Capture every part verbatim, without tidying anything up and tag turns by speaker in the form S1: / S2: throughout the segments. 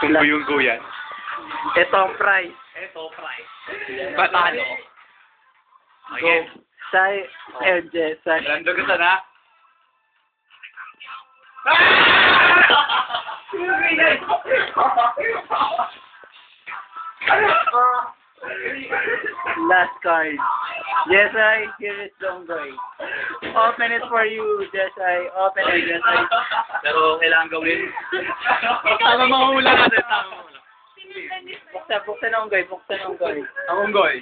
S1: Yung yan.
S2: Ito ang prize.
S1: Ito, price. Patalo.
S2: Go. Sai and Jessay.
S1: Lando ka sana.
S2: Last card. Jessay, here is Donggoy. Open it for you, Jessay. Open it, Jessay.
S1: Pero kailangan gawin. Tama mahula ka din. Tama mahula.
S2: Buksan, buksan ang unggoy, buksan ang unggoy.
S1: Ang unggoy.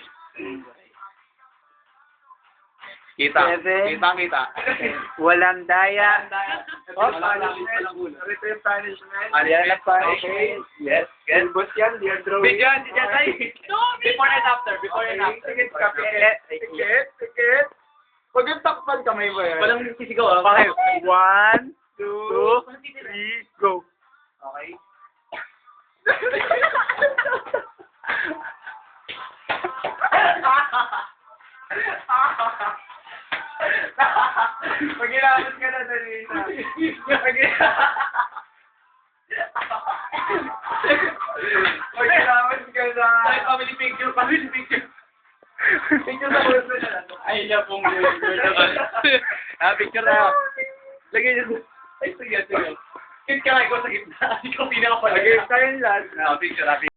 S1: Kita.
S2: Seven.
S1: Kita, kita.
S2: Walang daya.
S1: Oh, punishment.
S2: Return punishment.
S1: Yan
S2: ang punishment.
S1: Yes. Yes.
S2: Boss yan, dear Drew.
S1: Bigyan, si Jessay. Before and after. Before and after.
S2: Tikit, tikit, tikit, tikit. Huwag yung takpan kamay mo yan.
S1: Walang sisigaw. ah.
S2: Okay. One, two, three, go.
S1: Okay.
S2: Pag ginamit ka na, dali na. Pag Pag ginamit ka na.
S1: Ay, family picture. Family picture.
S2: Picture sa bulso na lang.
S1: Ay, na pong girl naman. Ah, picture na. Lagay niyo. Ay, sige, sige. Kit ka lang ikaw sa gitna. Ikaw pinaka pala.
S2: Lagay tayo lahat.
S1: Ah, picture, ah, picture.